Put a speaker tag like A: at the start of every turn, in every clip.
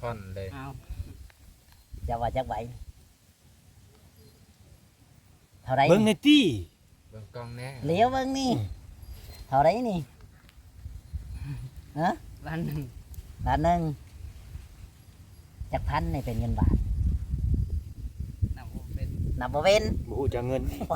A: ท่อนเลย
B: เอา
C: จะว่าจักใบเท่าไร
D: เบิ่งในตี้
A: เบิ่งกล้องแน่
C: เลี้ยวเบิ่งนี่เท่าไรนี่ฮะ
B: ล้านหนึ่ง
C: ล้านหนึ่งจักพันนี่เป็นเงินบาท
B: นับบ่เป็น
C: นับบ่เป็น
D: บ่ฮู้จักเงิน
C: ไหว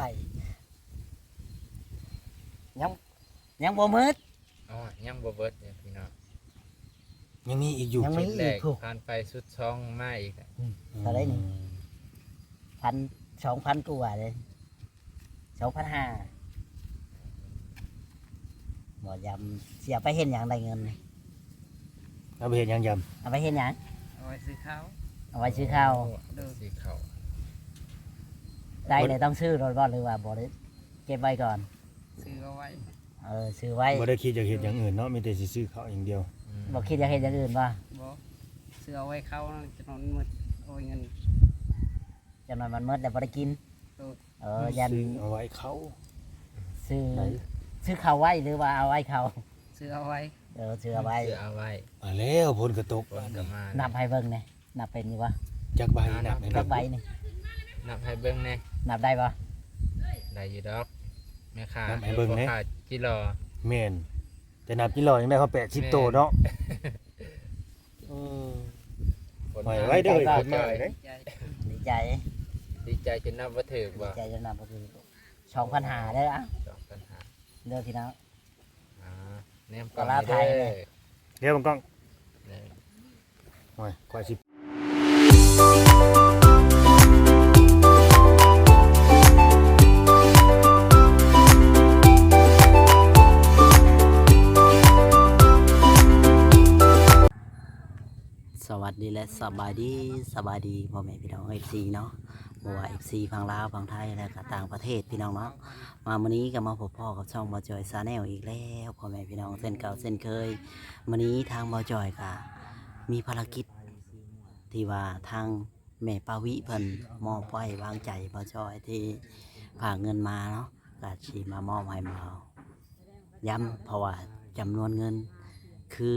C: ยังบ่มืด
A: อ๋อยังบ่เบิดเนี่ยพี่น้อง
D: ยังมีอีกอยู่
C: ยังมี
A: ชุดแร
C: อีก
A: ก
C: ถูก
A: ผ่านไปสุดช่องมาอีกอะ
C: เท่าไรนี่ 2,000กว่าเลย2,500บ่ยำเสียไปเห็นหยังได้เงินนี่
D: เอาไปเฮ็ดหยังยำ
C: เอาไปเห็นหยัง
B: เอาไว้ซื้อข้าว
C: เอาไว้ซื้อข้าว
A: สีขาว
C: ได้เลยต้องซื้อรถบ่หรือว่าบ่ได้เก็บไว้ก่อน
B: ซื้อเอาไว้
C: ซื้อไว้
D: บ่ได้คิดจะเฮ็ดหยังอื่นเนาะมีแต่สิซื้อข้าวอย่างเดียว
C: บ่คิดจะเฮ็ดอย่างอื่นบ่
B: บ่ซื้อเอาไว้เข้าจะนอนมืดเอาไว้เงิน
C: จำนวนมันหมดแล้วบ่ได้กิน ยัน
D: ซื้อเอาไว้เขา
C: ซื้อซื้อข้าวไว้หรือว่าเอาไว้เขา
B: ซื้อเอาไว้
C: ซื้อเอาไว้
A: เสื้อเอาไว้
D: มาแล้วฝนก็ตก
A: คนก็มา
C: นับให้เบิ่งนี่นับเป็นอยู่บ่
D: จักใบนับให้
C: จั
D: เบิ่
C: ก
D: ง
C: ใบนี่
A: นับให้เบิ่งแน่
C: นับได้บ่
A: ได้อยู่ดอกแม่ค้า
D: นับให้เบิ่งแหน่
A: พ่อค้าจิรอ
D: แม่นแต่นับกี่รอยังได้เขา80โตเนาะเออ
A: คน
D: ปล่อยไว้เด้อคนมาเด้
B: ใจ
C: ดีใจ
A: ดีใจจนนับว่าถึก
C: ดี
A: บ่
C: ใจจนนับบ่คือ2,500เด้ออ่ะ
A: สองปัญหา
C: เด้อพี่น้อง
A: อ่าแนม
C: ปลาร้าไทยเลย
D: เดี๋ยวบังกล้อง
A: เนี่ย
D: โอ้ยกว่าสิ
C: สวัสดีและสบายดีพ่อแม่พี่น้อง FC เนาะบ่ว่า FC ฝั่งลาวฝั่งไทยและก็ต่างประเทศพี่น้องเนาะมามื้อนี้ก็มาพบพ่อกับช่องบ่จอย Channel อีกแล้วพ่อแม่พี่น้องเส้นเก่าเส้นเคยมื้อนี้ทางบ่จอยก็มีภารกิจที่ว่าทางแม่ปาวิเพิ่นมอบไว้วางใจบ่จอยที่ฝากเงินมาเนาะก็สิมามอบให้มาย้ำเพราะว่าจำนวนเงินคือ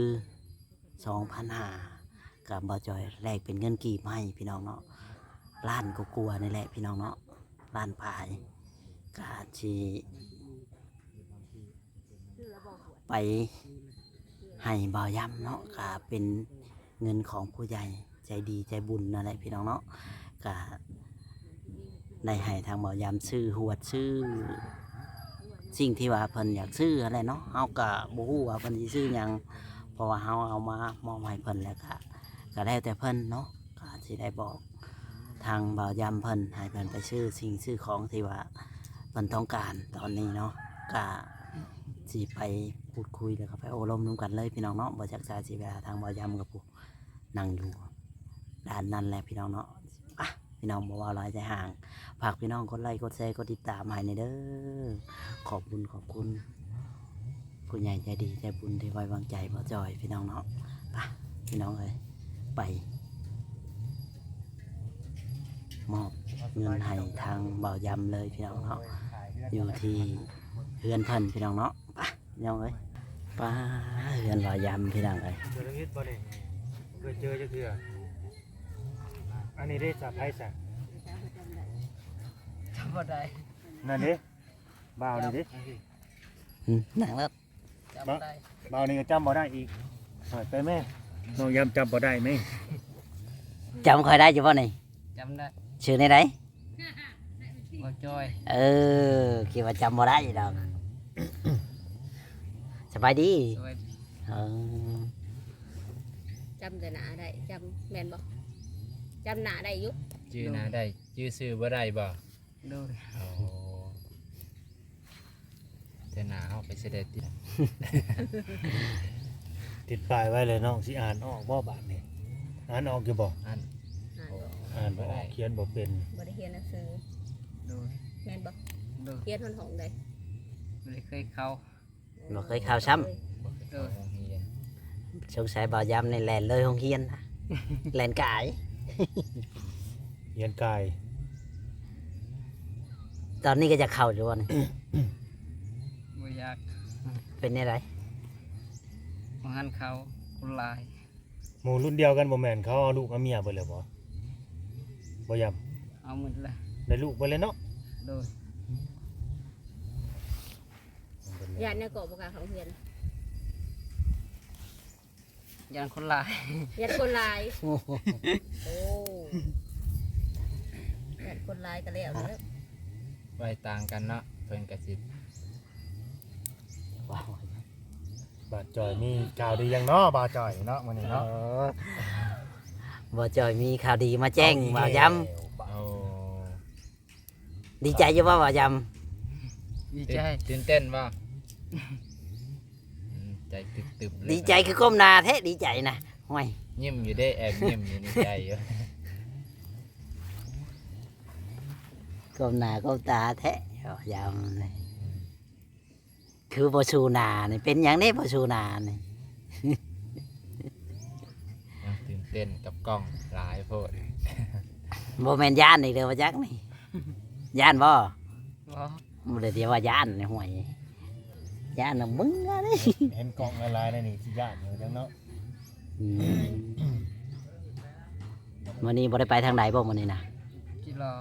C: 2,500 กับบ่จอยแลกเป็นเงินกีบให้พี่น้องเนาะล้านก็กลัวนี่แหละพี่น้องเนาะล้านปลายกาชีไปให้บ่าวย่ำเนาะก็เป็นเงินของผู้ใหญ่ใจดีใจบุญนั่นแหละพี่น้องเนาะก็ได้ให้ทางบ่าวย่ำซื้อหวดซื้อสิ่งที่ว่าเพิ่นอยากซื้ออะไรเนาะเฮาก็บ่ฮู้ว่าเพิ่นสิซื้อหยังเพราะว่าเฮาเอามามอบให้เพิ่นแล้วก็แล้วแต่เพิ่นเนาะก็สิได้บอกทางบ่าวยำเพิ่นให้เพิ่นไปซื้อสิ่งซื้อของที่ว่าเพิ่นต้องการตอนนี้เนาะก็สิไปพูดคุยแล้วก็ไปโอ้ลมร่วมกันเลยพี่น้องเนาะบ่จักษาสิไปหาทางบ่าวยำกับผู้นั่งอยู่ด้านนั้นแหละพี่น้องเนาะอ่ะพี่น้องบ่ว่าหลายใจห่างฝากพี่น้องกดไลค์กดแชร์กดติดตามให้ในเด้อขอบคุณผู้ใหญ่ใจดีใจบุญที่ไว้วางใจบ่จอยพี่น้องเนาะไปพี่น้องเอ้ยไปมอบเงินให้ทางบ่าวยำเลยพี่น้องเนาะอยู่ที่เฮือนเพิ่นพี่น้องเนาะไปพี่น้องเอ้ยป้าเฮือนบ่าวยำพี่น้องเอ้ย
D: เจอนิดบ่ได้เคยเจอจักเทื่ออันนี้ได้สะไผซะ
B: จำบ่ได้
D: นั่นเด้บ่าวนี่เด้
C: หนังแล้ว
B: จำบ่ได้
D: บ่าวนี่ก็จำบ่ได้อีกหอยไปแม่น้องยำจำบ่ได้ไหม
C: จำค่อยได้อยู่ป่ะนี่
B: จำได้
C: ชื่อในไหน
B: บ่จอย
C: คิดว่าจำบ่ได้อยู่ดอก สบายดี
B: สวัสดี
C: เออ
E: จำแต่หนาได้จำแมนบอกจำหนาได้อยุ
A: ชื่อหน้าได้ชื่อซื้อบ่ได้บ่
B: ดู
A: โอ้แต่หน้าเฮาไปเสด็จติ
D: ติดป้ายไว้เลยน้องสิอ่านออกบ่บาดนี่อ่านออกอยู่บ่
A: อัน
E: อ่าน
A: โอ้
E: บอก
D: อ่านบ่ออกเขียนบ่เป็น
E: บริเฮียนหนังสือ
B: ดู
E: แมนบอก
B: ดู
E: เฮียนหองใด
B: บ่ได้เคยเข้า
C: บ่เคยข่าวซ้
A: บ่เคยเข้าโรงเรียน
C: ำสงสัยบ่าวยำในแลนเลยห้องเฮียนนะ แลนกาย
D: เขียนกาย
C: ตอนนี้ก็จะเข้าอยู่วะนี่
B: บ่อยาก
C: เป็นไงไร
B: บ่หันเข้าคนหลาย
D: หมู่รุ่นเดียวกันบ่แม่นเขาเอาลูกเอาเมียเบิดแล้วบ่บ่ยำ
B: เอาหมดเลย
D: ได้ลูกเบิดเลยเนาะ
B: โดย
E: ญาติเนี่ยเกาะบ่กล้าเข้าเฮือน
B: ยันคนหลาย
E: ญาติคนหลายโอ้ญาติคนหลายก็แล้วเด้อ
A: ไว้ต่างกันเนาะเพิ่นก็สิ
C: ว้าว
D: บาดจอยมีข่าวดียังเนาะบาดจอยเนาะมื้อนี้เนาะ
C: บ่จอยมีข่าวดีมาแจ้งบ่าวย
A: เอา
C: ำดีใจอยู่บ่บ่าวย
B: ดีใจ
A: ตื่นเต้นบ่ใจตึบๆเลย
C: ำดีใจคือก้มหน้าแท้ดีใจนะห่วย
A: ยิ้มอยู่ได้แอบยิ้มอยู่ในใจอยู่
C: ก้มหน้าก้มตาแท้บ่าวยำนี่คือบ่ชูหน้านี่เป็นหยังนี้บ่ชูหน้านี่
A: ยังตื่นเต้นกับกล้องหลายโพด
C: บ่แม่นย่านอีกเด้อว่าจักนี่ย่านบ่
B: บ่
C: บ่ได้เรียกว่าย่านนี่ห่วยย่านน่ะมึงอะนี่
D: เห็นกล่องละลายนี่สิย่านอยู่จังเนาะ
C: มื้อนี้บ่ได้ไปทางใดบ่มื้อนี้นะ
B: กิโล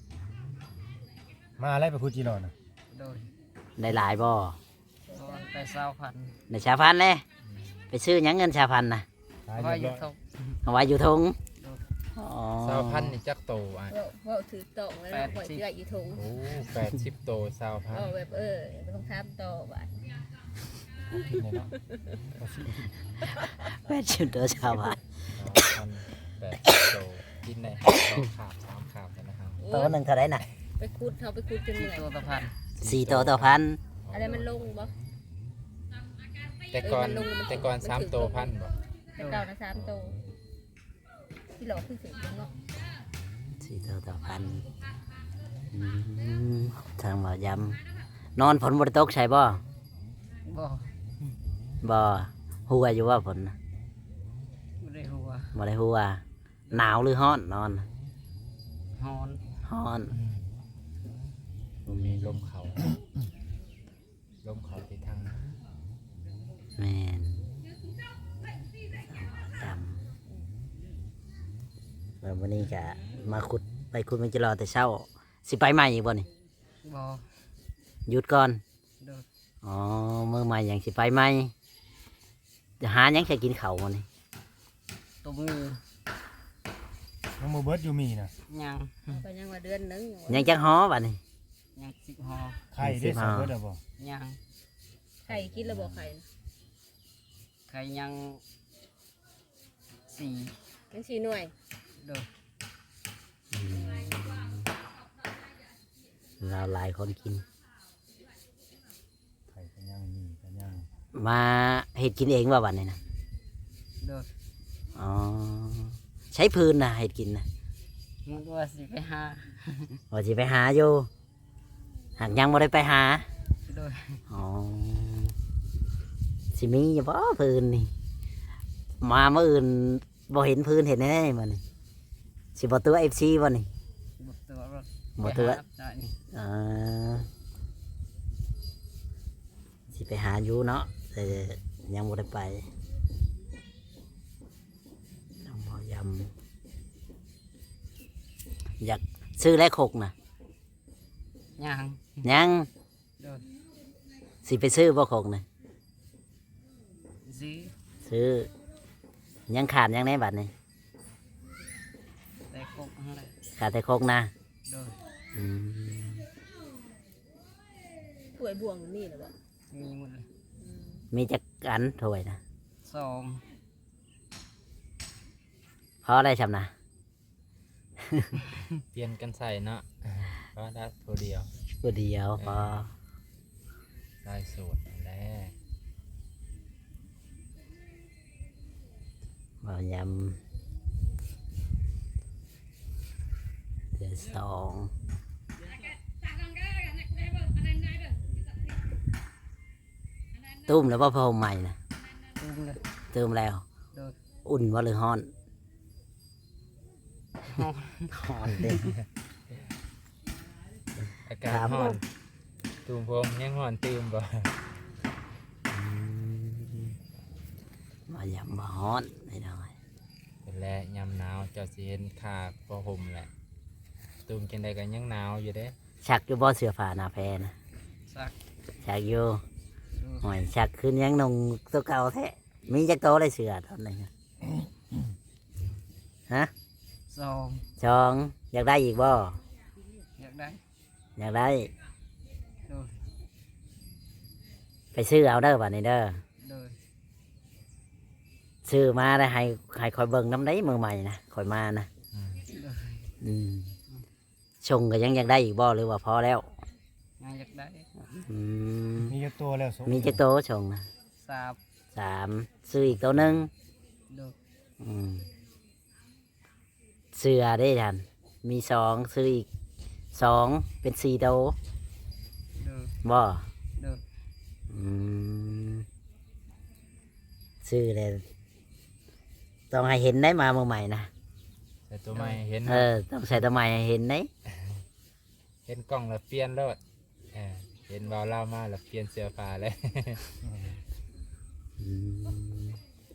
D: มาอะไรไปพูดจีรอน่ะ
B: โดย
C: ได้หลายบ่
B: ไป20,000
C: ได้ชาพันธุ์เลยไปซื้อหยังเงินชาพันธุ์น่ะ
D: ขาย
B: ว่า
D: เรี
B: อย
D: บ
B: ยู่
D: ร้อย
B: ทง
C: เอาไว้อยู่ทงอ๋อ
A: 20,000นี่จักโตอ่ะ
E: เว้าถือตองแล้วเนาะข่อยเสื้ออยู่ถุง
A: โอ้80โต
E: เว้า
A: 20,000
E: แบบบ่ต้องถามต่อว่า
A: กินเลยเนาะ
C: แปดชิมตัวชาวบ้าน
A: 2,080โตกินได้2ขาบ3ขาบแล้วนะครับ
C: ตัวหนึ่งเท่าไหรน่ะ
E: ไปขุดเฮาไปขุดจนเหนื่อย
B: ตัวตะพัน
C: 4 ตัวต่อพัน
E: อะไรมันลงบ่
A: แต่ก่อน3โตพันบ่
E: แต่เก่านะ3โตที่หลอกคือถึงเนาะ
C: 4 ตัวต่อพันทางบ่อยำนอนฝนบ่ได้ตกใช่บ่
B: บ่
C: บ่หัวอยู่ว่าฝนน่ะ
B: ไม่ได้หัว
C: บ่ได้หัวหนาวหรือร้อนนอน
B: ฮอน
C: ร้อน
A: มีลมเขาลมเขาไปทาง
C: แม่นดำแล้ววันนี้ก็มาขุดไปขุดมันจะรอแต่เช้าสิไปใหม่อีกบ่นี่
B: บ่
C: หยุดก่อน
B: โดย
C: อ๋อมือใหม่อย่างสิไปใหม่จะหาหยังจะกินเขาวมันนี่
B: ตัวมือ
D: น้องมือเบิร์ดอยู่มีน่ะ
B: ยัง
E: ก็ยังว่าเดือนหนึง
C: ยังจังฮ้อบัดนี่
B: ยัง10 ห่อ
D: ไข่ได้สองเบิร์ดแล้วบ่
B: ยัง
E: ไข่กินแล้วบ่ไข่
B: ใครยัง4
E: จัง4หน่วย
B: โดย
C: เราหลายคนกิน
D: ไข่ก็ยังมีก็ยัง
C: มาเห็ดกินเองว่าบัดนี่นะ
B: โดย
C: อ๋อใช้พื้นนะเห็ดกินนะ
B: มันว่าสิไปหา
C: ว่าสิไปหาอยู่หากยังบ่ได้ไปหา
B: โดย
C: อ๋อสิมีอยู่บ่พื้นนี่มาเมื่ออื่นบ่เห็นพื้นเห็นแน่ๆมันนี่สิบ่ตัว FC บ่นี่
B: บ่ตัวรถ
C: บ่ตัว
B: ไปหาได้นี่
C: อ่าสิไปหาอยู่เนาะแต่ยังบ่ได้ไปต้องพอยำอยากซื้อแลกหกนะ
B: ยัง
C: ยัง
B: โดย
C: สิไปซื้อบ่หกนะ
B: ซื้อ
C: ซื้อยังขาดยังในบัตรนี่
B: แต่ครบอะไร
C: ขาดแต่หกนะ
B: โดย
C: อืม
E: ถ้วยบ่วงนี่เหรอบ่
B: มีหมดเลย
C: มีจักอันถ้วยนะ
B: 2
C: เพราะอะไรชำนะ
A: เปลี่ยนกันใส่เนาะก็ได้ตัวเดียว
C: ตัวเดียวพอ
A: ได้สูตรอันแรก
C: บ่ยำเดือนสองตุ้มแล้วว่าพอใหม่นะ
B: ตุ้มเลย
C: เติมแล้ว
B: โดย
C: อุ่นว่าหรือฮ้อน
B: ฮอน
C: ฮ้อนเด้
A: อากาศ
C: ครับ
A: ร้อนตูมผมยังร้อนตื่มบ่
C: บ่ยำบ่ฮ้อนไม่ได้
A: และยามหนาวเจ้าสิเห็นขาผ้าห่มแหละตูมจังใดก็ยังหนาวอยู่เด้
C: ชักอยู่บ่เสื้อผ้าหน้าแพรนะ
B: สัก
C: ชักอยู่
B: ดู
C: หอยชักขึ้นยังนงตัวเก่าแท้มีจักโตเลยเสือตอนนี้ฮะ
B: ซอง
C: ชองอยากได้อีกบ่
B: อยากได้
C: อยากได้
B: ดู
C: ไปซื้อเอาเด้อบัดนี้เด้อ
B: ดู
C: ซื้อมาได้ให้คอยเบิ่งน้ำได้มือใหม่นะคอยมานะ
A: อืม
B: ดู
C: อืมชงก็ยังอยากได้อีกบ่หรือว่าพอแล้ว
B: ยังอยากได้
C: อืม
D: มีจักตัวแล้วส
C: มีจักโตชงนะ
B: สาบ
C: 3ซื้ออีกตัวหนึง
B: ดู
C: อืมเสือได้ทันมี2ซื้ออีก2เป็น4โต
B: ดู
C: บ่
B: ดู
C: อืมซื้อเลยต้องให้เห็นได้มาเมื่อใหม่นะ
A: แต่ตัวใหม่เห็น
C: ต้องใส่ตัวใหม่ให้เห็นได้
A: เห็นกล้องแล้วเปลี่ยนแล้วเห็นเบาเล่ามาแล้วเปลี่ยนเสื้อผ้าเลย
C: อืม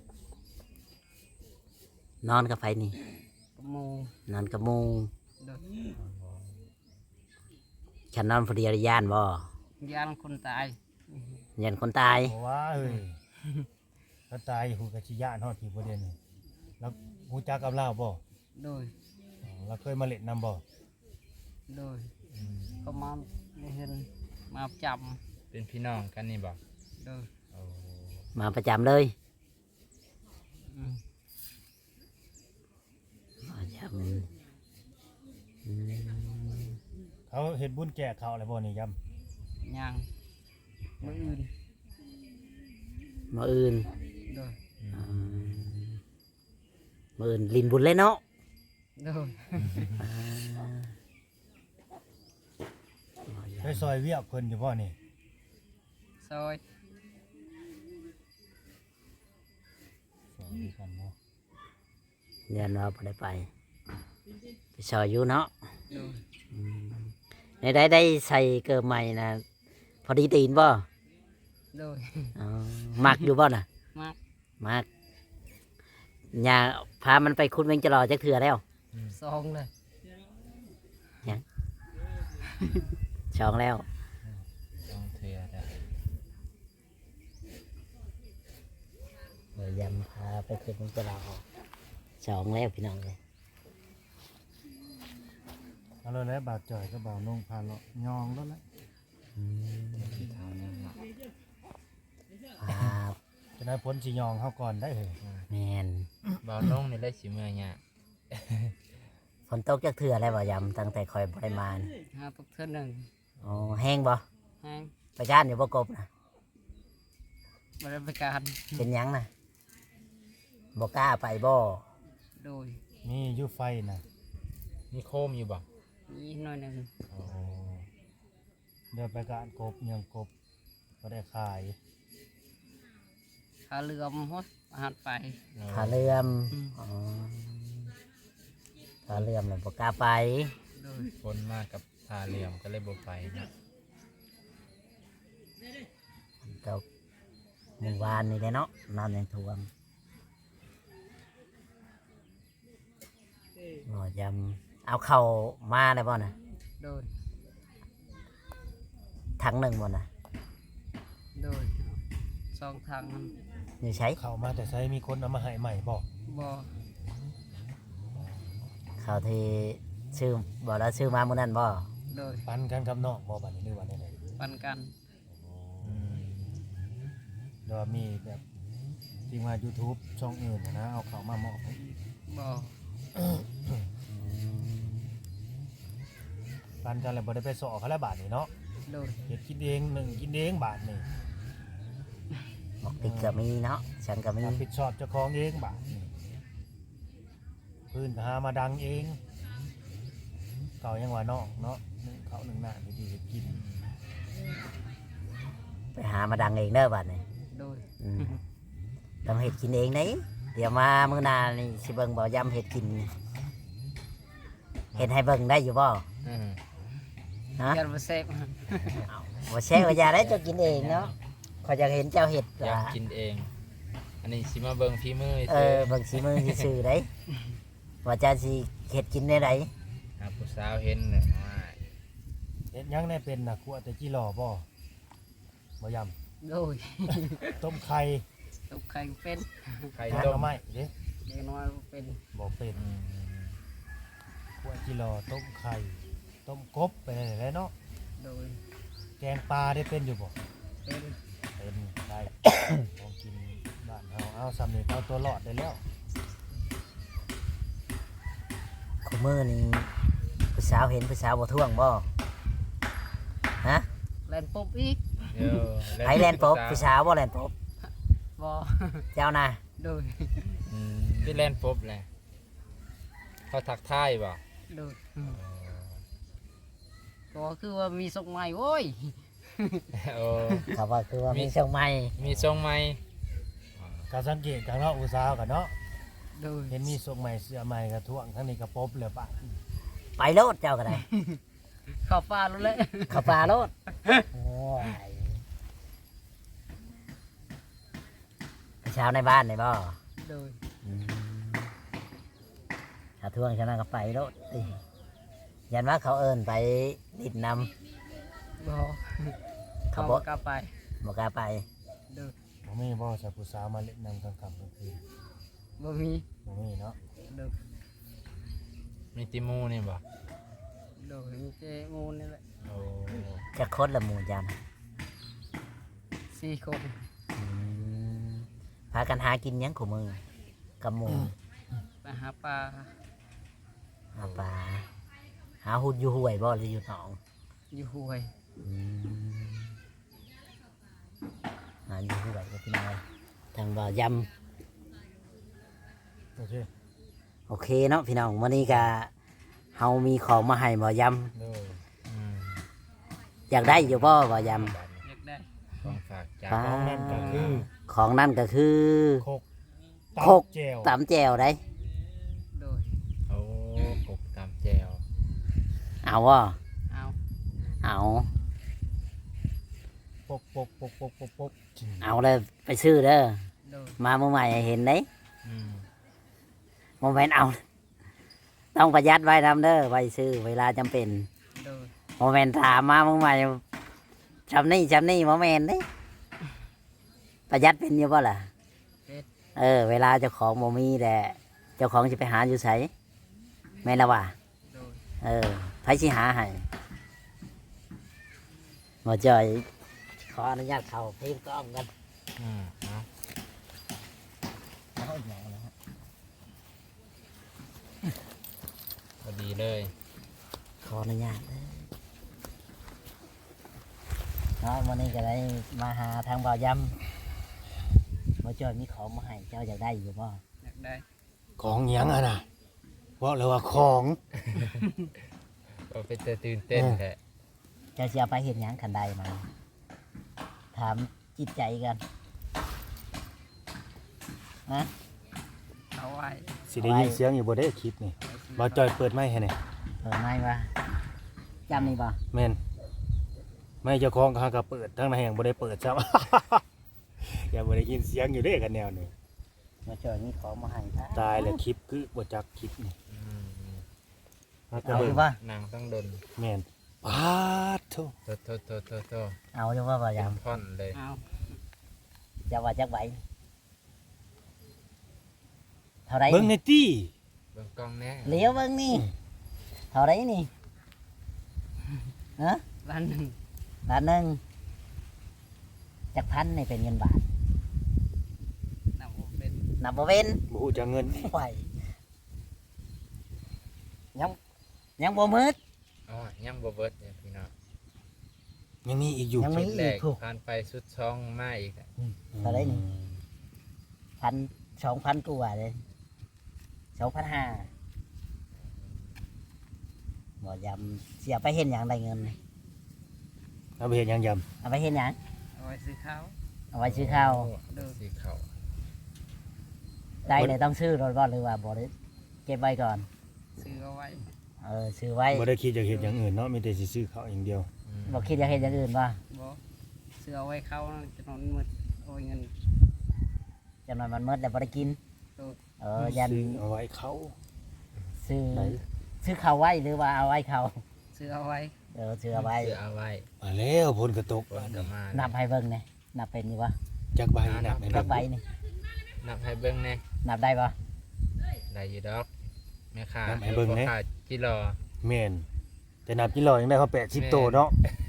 C: นอนกับไฟนี่
B: กระมู
C: นอนกับหมู
B: ดู
C: ฉันนอนพอดีย่านบ่
B: ยานคนตาย
C: ยันคนตาย
D: บอกว่าเอ้ยถ้าตายหูกะชิยานฮอดที่ประเด็นนี่แล้วหูจักกับเราบ่
B: ดู
D: เราเคยมาเล่นนำบ่
B: ดูก็มาได้เห็นมาจับ
A: เป็นพี่น้องกันนี่บอก
B: ดู
A: โอ้
C: มาประจำเลย
B: อืม
C: ประจำอืม
D: เขาเห็นบุญแจกเขาอะไรบ่นี่ย
B: ยังมืออื่น
C: มาอื่น
B: ดู
C: อืมมาอื่นลินบุญเลยเนาะ
B: ดู
C: อ่า
D: ำไปซอยเวียกเพิ่นอยู่บ่นี่
B: ซอย
D: ซอยด้วยกันเนาะ
C: ยันว่าบ่ได้ไปไปซอยอยู่เนาะ
B: ดู
C: ในได้ใส่เกิดใหม่นะพอดีตีนบ่
B: ดู
C: อ๋อมักอยู่บ่น่ะ
B: มาก
C: มักอย่าพามันไปคุณเวงจะรอจักเถื่อแล้ว
B: ซองเลย
C: ช่องแล้ว
A: ต้องเทือได้
C: เดี๋ยวยำพาไปคุณเวงจะรอช่องแล้วพี่น้องเลย
D: เอาเลยแล้วบาดจ่อยก็บ่าวนุ่งพาเลาะยองแล้วแหละ
A: ที่เท้าเนี่ยเนาะ
C: ครับ
D: จะได้พ้นสิยองเฮาก่อนได้เหรอ
C: แมน
A: เบาลงนี่ได้สิเมื่อเนี่ย
C: ฝนตกจักเถื่อแล้วบ่ยำตั้งแต่คอยบริมาณ
B: หาตุกเท่าหนึ่ง
C: อ๋อแห้งบ่
B: แห้ง
C: ไปจ้านอยู่บ่กบนะ
B: บริการ
C: เป็นหยังนะบ่กล้าไปบ่
B: โดย
D: มีอยู่ไฟน่ะ
A: มีโคมอยู่บ่
B: นี่หน่อยหนึ่ง
A: โอ้
D: เดี๋ยวไปกานกบยังกบก็ได้ขาย
B: ขาเรือมฮดอาหารไป
C: ขาเลื่อม
B: อืม
C: อ๋อขาเลื่อมเลยบ่กล้าไป
B: โดย
A: คนมากกับทาเหลี่ยมก็เลยบ่ไปนะ
C: ตกหมู่บ้านนี่แหละเนาะน้ำยังท่วมบ่ยำเอาเข้ามาได้บ่น่ะ
B: โดย
C: ถังหนึ่งบ่น่ะ
B: โดยสองทางมัน
C: อยู่ใช้
D: เข้ามาแต่ใช้มีคนเอามาให้ใหม่บ่
B: บ่
C: เขาที่ชื่อบ่แล้วชื่อมามื้อนั้นบ่
B: โดย
D: ปันกันกับน้องบ่บัดนี้หรือว่าได้ได
B: ปันกัน
A: อืม
D: เดี๋ยวมีแบบที่ว่า YouTube ช่องอื่นนะเอาเข้ามามอบให้
B: บ่
D: ปันกันแล้วบ่ได้ไปสอเขาแล้วบาทนี่เนาะ
B: โดย
D: เฮ็ดกินเองหนึ่งกินเองบาทนี่
C: บอกติดก็มีเนาะฉันก็มี
D: รับผิดชอบเจ้าของเองบาทนี่พื้นก็หามาดังเองเก่ายังว่าน้องเนาะหนึ่งเขาหนึ่งหน้าที่ดีเฮ็ดกิน
C: ไปหามาดังเองเด้อบัดนี้
B: โดย
C: อืมต้องเฮ็ดกินเองนี่เดี๋ยวมามื้อหน้านี่สิเบิ่งบ่ยำเฮ็ดกินเฮ็ดให้เบิ่งได้อยู่บ่
A: อืม
C: ฮะ
B: ยันมาเซฟ
C: บ่ใช่ว่าอย่าได้เจ้ากินเองเนาะขอยอยากเห็นเจ้าเฮ็ด
A: อยาก
C: ว่า
A: กินเองอันนี้สิมาเบิ่งฝีมือ
C: เออบางสีมือซื่อๆได้ว่าจะสิเฮ็ดกินได้ได
A: หาผู้สาวเห็นเนี่ยว่า
D: เฮ็ดหยังได้เป็นน่ะคั่วแต่จิหล่อบ่บ่ย
B: โดย
D: ำต้มไข่
B: ตกไข่เป็น
A: ใคร
D: แกงห
A: ต้
D: น่อ
A: ม
D: ไม้เด้
B: เด็กน้อยเป็น
D: บ่เป็น
A: อืม
D: คั่วจิหล่อต้มไข่ต้มกบไปได้แหละเนาะ
B: โดย
D: แกงปลาได้เป็นอยู่บ่
B: เป็น
D: เป็นได้ ของกินบ้านเฮาเอาสำเร็จเอาตัวรอดได้แล้ว
C: คุมื้อนี้ผู้สาวเห็นผู้สาวบ่ท่วงบ่ฮะ
B: แล่นปุ๊บอีก
A: เดี๋ยว
C: ไผแลนด์ปบผู้สาวบ่แลนด์ปบ
B: บ่
C: เจ้าน่ะ
B: โดย
A: อืมที่แลนปุ๊บแหละเขาทักทายบ่
B: โดยก็คือว่ามีส่งใหม่โว้ย
A: โอ้
C: เขาว่าคือว่ามีช่องใหม่
A: มีทรงไหม
D: ก็สังเกตกันเนาะอุตสาหกันเนาะ
B: โดย
D: เห็นมีทรงใหม่เสื้อใหม่กระท่วงทั้งนี้กระปบเลยปะ
C: ไปโลดเจ้าก็ได้
B: เข้าป่าแล้วแหละ
C: เข้าป่าโลดโอ้ยผู้สาวในบ้านนี่บ่
B: โดย
C: ถ้าท่วงฉะนั้นก็ไปโลดอิยันว่าเขาเอิ้นไปดิดนำ
B: บ่
C: เขา
B: เขา
C: บ่
B: กลับไป
C: บ่กล้าไป
B: โดย
D: บ่มีบ่สาวผู้สาวมาเล่นนำกลางค่ำกลางคืน
B: บ่มี
D: บ่มีเนาะ
B: โดย
A: มีติมูนี่บ่
B: โดยมีเจงูนี่แหละ
A: โอ้
C: จะคดละหมู่จัน
B: 4 คน
C: พากันหากินหยังของมือกับหมู่
B: ไปหาปลา
C: หาปลาหาหุ่นอยู่ห้วยบ่หรืออยู่หนอง
B: อยู่ห้วย
C: หาอยู่ห้วยก็พี่น้อยทางบ่อย
D: โอเค
C: ำโอเคเนาะพี่น้องวันนี้ก็เฮามีของมาให้บ่อย
A: โดย
C: ำอยากได้อยู่บ่บ่อย
B: อยากได้
A: ของฝากจาก
C: ำปลา
D: ของนั่นก็คือ
C: ของนั่นก็คือ
D: โคก
C: โคก
D: แจว
C: ตำแจวได้
B: โดย
A: โอ้กบตามแจว
C: เอาบ่
B: เอา
C: เอา
D: ปกปกปกปกปกปก
C: เอาเลยไปซื้อเด้อ
B: โดย
C: มาเมื่อใหม่ให้เห็นได้
A: อืม
C: โมเมนต์เอา ต้องประหยัดไว้ทำเด้อไว้ซื้อเวลาจำเป็น
B: โดย
C: โมเมนต์ถามมาเมื่อใหม่จำนี่โมเมนต์นี่ประหยัดเป็นอยู่ป่ะล่ะ
B: เป็น
C: เวลาเจ้าของโมมีแต่เจ้าของจะไปหาอยู่ไสแม่นละว่า
B: โดย
C: ไผสิหาให้หมอจอยขออนุญาตเข้าพิมพ์กล้องกัน
A: อืมเอา
C: เอาอย่างนะฮะ
A: พอดีเลย
C: ขออนุญาตเด้อเนาะวันนี้ก็ได้มาหาทางบ่าวยำหมอจอยมีของมาให้เจ้าอยากได้อยู่บ่
B: อยากได้
D: ของหยังอ่ะนะบอกเลยว่าของ
A: ก็เป็นแต่ตื่นเต้นแท้
C: เจ้าสิเอาไปเห็นหยังขันใดมาถามจิตใจกันนะ
B: เอาไว้
D: สิได้ยินเสียงอยู่บ่ได้คลิปนี่บ่จอยเปิดไม้ให้นี่
C: เปิดไม้วะจำนี่บ่
D: แม่นไม่เจ้าของเขาก็เปิดทั้งในแห่งบ่ได้เปิดซ้ำ อย่าบ่ได้ยินเสียงอยู่เด้กันแนวนี้
C: หมอจอยมีของมาให้ครับ
D: ตายแล้วคลิปคือบ่จักคลิปนี่
A: อืม
D: มาก็
C: เอาอ
D: เบิ่ง
C: ยู่ป่ะ
A: นางต้องดน
D: แม่นปาดโธ่
A: โต
C: เอาอยู่ป่ะบ่า
A: เป็
C: ย
A: นท่อนเลย
B: เอา
C: ำจะว่าจักใบเท่าไร
D: เบิ่งในตี้
A: เบิ่งกล้องแน่
C: เลี้ยวเบิ่งนี่เท่าไรนี่ฮะ
B: บ้านหนึ่ง
C: บาทหนึ่งจักพันนี่เป็นเงินบาท
B: นำเป็น
C: นับบ่เป็น
D: บ่ฮู้จักเงิน
C: ไหวยังบ่มืด
A: อ๋อยังบ่เบิดเนี่ยพี่น้อง
D: ยังมีอีกอยู่
C: ยังมี
A: ชุดแร
C: อี
A: ก
C: กถูก
A: ผ่านไปชุดช่องมาอีกอะ
C: เท่าไหร่นี่ 2,000กว่าเลย2,500บ่ยำเสียไปเห็นอย่างไรเงินนี่
D: เอาไปเฮ็ดหยังยำ
C: เอาไปเห็นอย่าง
B: เอาไว้ซื้อข้าว
C: เอาไว้ซื้อข้าว
A: โอ้สีขาว
C: ได้เลยต้องซื้อรถบ่หรือว่าบ่ได้เก็บไว้ก่อน
B: ซื้อเอาไว้
C: ซื้อไว้
D: บ่ได้คิดจะเฮ็ดอย่างอื่นเนาะมีแต่สิซื้อข้าวอย่างเดียว
A: อืม
C: บ่คิดอยากเห็นอย่างอื่นป่ะ
B: บ่ซื้อเอาไว้เข้าจะนอนมืดเอาไว้เงิน
C: จังหน่อยมันหมดแล้วบ่ได้กิน
B: โดย
C: ยัน
D: ซื้อเอาไว้เขา
C: ซื้อ
D: ไหน
C: ซื้อเขาไว้หรือว่าเอาไว้เขา
B: ซื้อเอาไว้
C: ซื้อเอาไว้
A: เสื้อเอาไว้
D: มาแล้วผลกระตก
A: คนก็มา
C: นับให้เบิ่งนี่นับเป็นอยู่บ่
D: จักใบนับให้
C: นั
D: เบิ่
C: บ
D: ง
C: ใบนี่
A: นับให้เบิ่งแน่
C: นับได้บ่
A: ได้อยู่ดอกแม่ค้า
D: นับให้เบิ่งแหน่
A: พ่อค้าจิรอ
D: แม่นแต่นับกิโลยังได้เขา80โตเนาะ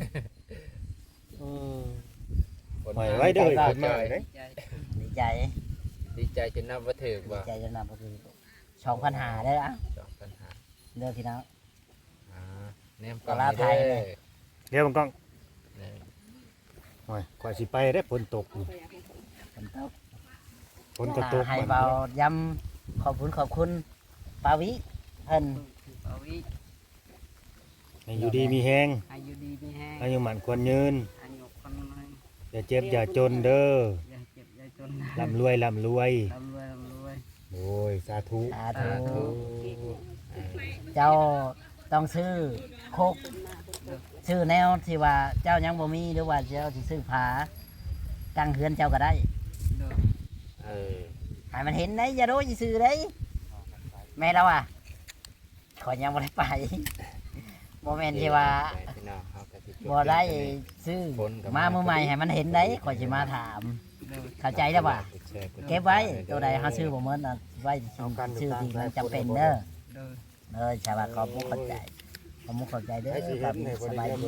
D: ปล่อยไว้เด้อคนมาเด้
B: ใจ
C: ดีใจ
A: ดีใจจนนับว่าถึก
C: ดี
A: บ่
C: ใจจนนับบ่คือ2,500เด้ออ่ะ
A: จอกปัญหา
C: เด้อพี่น้อง
A: อ่าแนมกล่อง
C: ปลา
A: ให้
C: ไทย
A: เด้
C: เนี่
A: อย
D: เดี๋ยวมันกล้อง
A: นี่
D: โอ้ยกว่าสิไปได้ฝนตกนี่
C: ฝนตก
D: ฝนก็ตก
C: ให้
D: มัน
C: เบาย้ำขอบคุณปาวิเพิ่น
B: เอาวิ
D: ให้อยู่ดีมีแฮง
B: อายุดีมีแห้ง
D: อายุหมันควรยืน
B: อายุคนน้อย
D: อย่าเจ็บอย่าจนเด้อ
B: อย่าเจ็บอย่าจน
D: ร่ำรวยร่ำรวย
B: ร่ำรวยร่ำรวย
D: โอ้ยสาธุ
C: สา
A: สา
C: ธุ
A: ธุอ่า
C: เจ้าต้องซื้อโคกซื้อแนวที่ว่าเจ้ายังบ่มีหรือว่าเจ้าสิซื้อผาตั้งเฮือนเจ้าก็ได้
B: โดย
A: เออ
C: ให้มันเห็นได้อย่าโดนซื้อได้แม่เราอ่ะขอยยังบ่ได้ไปบ่แม่นที่ว่า
A: ไปพี่น้องเฮาก็สิจ
C: บ่ได้
A: เรื่องนี้
C: ซื้อ
A: คนก็
C: มา
A: มา
C: มือใหม่ให้มันเห็นได้ขอยสิมาถาม
B: โดย
C: เข้าใจได้ป่ะ
A: กดแชร์กด
C: เก็บไว้ตัวใดเฮาซื้อบ่หมดน่ะไว้ซื้อที่มันจำเป็นเด้อ
B: โดย
C: ชาวบ้านขอบคุณเข้าใจขอบคุณเข้าใจเด้อครับสบายดี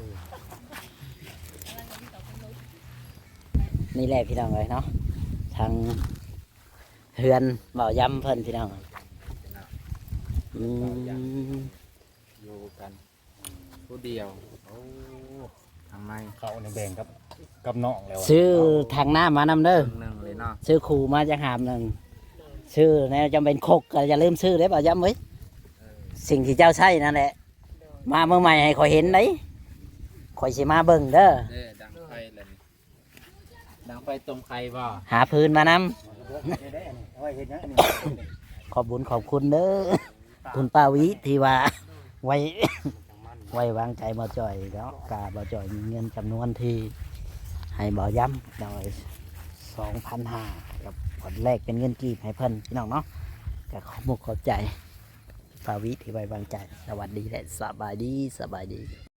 C: นี่แหละพี่น้องเลยเนาะทางเฮือนเบาย้ำเพิ่นพี่น้องอืม
A: อยู่กันผู้เดียวโอ้ทางใน
D: เขาเนี่ยแบ่งกับน้องแล้วอะ
C: ซื้อทางหน้ามานำเด้อ
A: ครึ่งหนึงเลยเนาะ
C: ซื้อขู่มาจากหามหนึ่งซื้อแนวจำเป็นคกก็อย่าลืมซื้อเด้อเบาย้ำไว้ยสิ่งที่เจ้าใช้นั่นแหละมาเมื่อใหม่ให้ข่อยเห็นได้ข่อยสิมาเบิ่งเด้อ
A: เด้อดังไฟเลยดังไฟต้มไข่บ่
C: หาพื้นมานำ
D: เอาไว้เฮ็ดหยังอันนี้
C: ขอบคุญขอบคุณเด้อคุณป้าวิที่ว่าไว้ ไว้วางใจบ่จ่อยแล้วกาบ่จ่อยมีเงินจำนวนที่ให้บ่ย้ำโดย2,500กับผลแรกเป็นเงินกีบให้เพิ่นพี่น้องเนาะก็ขอบมุกขอบใจป้าวิที่ไว้วางใจสวัสดีและสบายดี